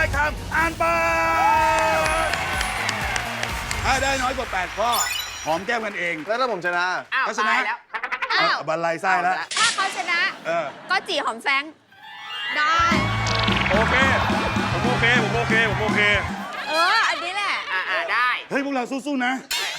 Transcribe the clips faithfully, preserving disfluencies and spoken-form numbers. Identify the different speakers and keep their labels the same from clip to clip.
Speaker 1: อยคำอ่านไปถ้าได้น้อยกว่าแปดข้อหอมแก้มกันเอง
Speaker 2: แล้วถ้าผมชนะ
Speaker 3: อ้าว
Speaker 1: ก็ชนะ
Speaker 3: ตายแล้ว
Speaker 1: เอาบันไลไส้แล้ว
Speaker 4: ถ้าเขาชนะ
Speaker 1: เออ
Speaker 4: ก็จีหอมแฟงได้
Speaker 5: โอเค ผมโอเค ผมโอเค ผมโอเค
Speaker 4: เออ อันนี้แหละ
Speaker 3: อ่าอ่าได้
Speaker 1: เฮ้ย พวกเราสู้ๆนะ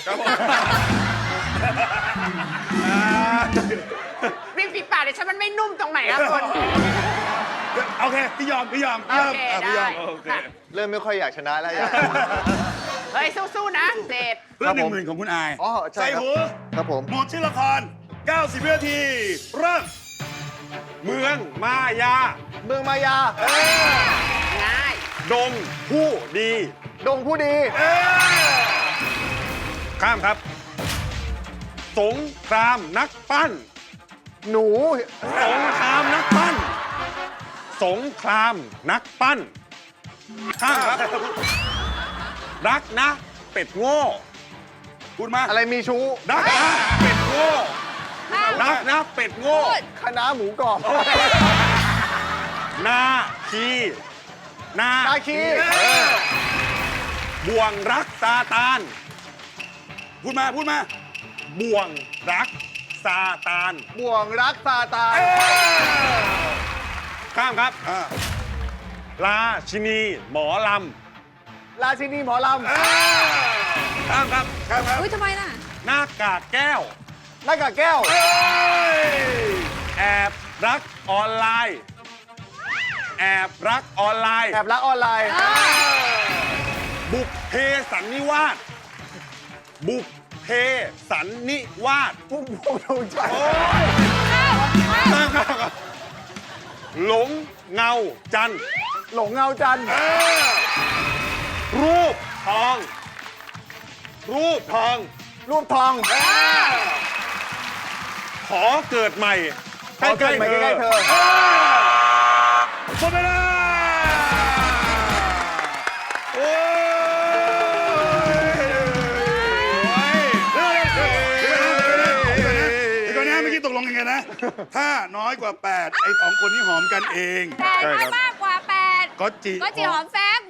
Speaker 3: ริมฝีปากเดี๋ยวฉันมันไม่นุ่มตรงไหนครับคน
Speaker 1: โอเค พี่ยอม พี่ยอม พี่ยอม
Speaker 3: โอเค
Speaker 1: อ่ะพี่ยอม
Speaker 3: ได้
Speaker 1: โอเค
Speaker 2: เริ่มไม่ค่อยอยากชนะแล้วอยาก
Speaker 3: เฮ้ย สู้ๆนะเจด
Speaker 1: เพื่อหนึ่งหมื่นของคุณอาย
Speaker 2: อ๋อใช่
Speaker 1: ใส่
Speaker 2: ครับ
Speaker 1: หู
Speaker 2: ครับผม
Speaker 1: หมดชื่อละคร เก้าสิบ วินาที เริ่ม
Speaker 5: เมืองมายา
Speaker 2: เมืองมายา
Speaker 3: ง่าย
Speaker 5: ดงผู้ดี
Speaker 2: ดงผู้ดี
Speaker 5: ข้ามครับ สงครามนักปั้น
Speaker 2: หนู
Speaker 5: สงครามนักปั้น สงครามนักปั้น ข้ามครับ รักนะ เป็ดโง่
Speaker 1: พูดมา
Speaker 2: อะไรมีชู้
Speaker 5: รักนะเป็ดโง่
Speaker 4: ข้าม
Speaker 5: รักนะเป็ดโง่
Speaker 4: พูด
Speaker 2: คณะหมูกรอบ
Speaker 5: นาคีนา
Speaker 2: นาคี
Speaker 5: บ่วงรักซาตาน
Speaker 1: พูดมา พูดมา
Speaker 5: บ่วงรักซาตาน
Speaker 2: บ่วงรักซาตาน
Speaker 5: ข้ามครับ
Speaker 1: อ่า
Speaker 5: ราชินีหมอล
Speaker 2: ราชินีหมอล
Speaker 5: ำข้ามครับ
Speaker 1: ครับครับ
Speaker 4: อุ้ยทำไมล่ะ
Speaker 5: หน้ากากแก้ว
Speaker 2: ำหน้ากากแก้ว
Speaker 5: แอบรักออนไลน์ แอบรักออนไลน์
Speaker 2: แอบรักออนไลน์
Speaker 5: บุกเพสันนิวาสบุกเพสันนิวาส
Speaker 2: พุ่มพวงดวงจันทร์
Speaker 5: ข้ามครับหลงเงาจันทร์
Speaker 2: หลงเงาจันทร์
Speaker 5: รูปทอง รูปทอง
Speaker 2: รูปทอง
Speaker 5: ขอเกิดใหม่
Speaker 2: ขอเกิดใหม่ใกล้ๆเธอ
Speaker 1: หมดเวลาโอ้ยเดี๋ยวก่อนนะเมื่อกี้ตกลงยังไงนะ ถ้าน้อยกว่าแปดไอ้สองคนนี้หอมกันเอง
Speaker 4: แต่ถ้ามากกว่าแปด
Speaker 1: ก็จี
Speaker 4: ก็จีหอมแฟง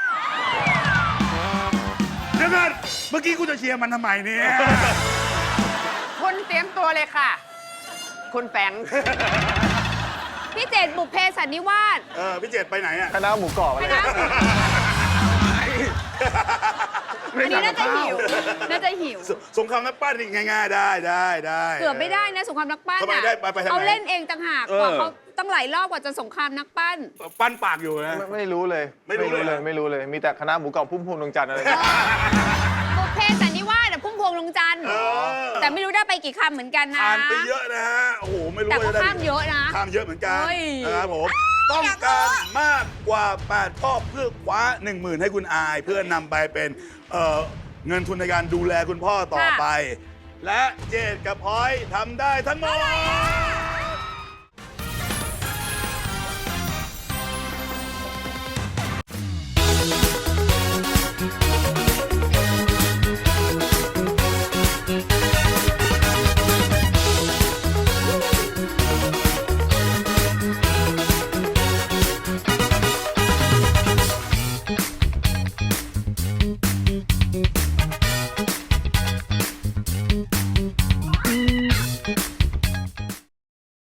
Speaker 1: เดี๋ยวก่อนเมื่อกี้กูจะเชียร์มันทำไมเนี่ย
Speaker 3: คุณเตรียมตัวเลยค่ะ คุณแฟง
Speaker 4: พี่เจดบุพเพสันนิวาส
Speaker 1: เออ พี่เจตไปไหนอ่ะ
Speaker 2: คณะหมูกรอบอะไร
Speaker 4: คณะ อันนี้น่าจะหิว น่าจะหิว
Speaker 1: สสงครามนักปั้นนี่ง่ายๆได้ได้ได้
Speaker 4: เกือบไม่ได้นะสงครามนักปั้น
Speaker 1: ทำไม
Speaker 4: อะ
Speaker 1: ได้ไปไปทางไหน
Speaker 4: เขาเล่นเองต่างหากกว่าเขาตั้งหลายรอบกว่าจะสงครามนักปั้น
Speaker 1: ปั้นปากอยู่นะ
Speaker 2: ไม่ไม่รู้เลย
Speaker 1: ไม่รู้เลย
Speaker 2: ไม่รู้เลย มีแต่คณะหมูกรอบพุ่มพวงดวงจันทร์อะไร
Speaker 4: บุพเพสันนิวาสอะพุ่มพวงลงจันทร์
Speaker 1: เออ
Speaker 4: แต่ไม่รู้ได้ไปกี่คำเหมือนกันนะ
Speaker 1: ผ่านไปเยอะนะฮะ โอ้โห ไม่รู้
Speaker 4: แต่
Speaker 1: ว่า
Speaker 4: ก็
Speaker 1: จะได้
Speaker 4: ข้ามเยอะนะ
Speaker 1: ข้ามเยอะเหมือนกัน
Speaker 4: เฮ้ย
Speaker 1: นะครับผม ต้องการมากกว่าแปดข้อเพื่อคว้า หนึ่งหมื่น ให้คุณอาย เพื่อนำไปเป็นเอ่อเงินทุนในการดูแลคุณพ่อต่อไป และเจดกับพลอยทำได้ทั้งหมด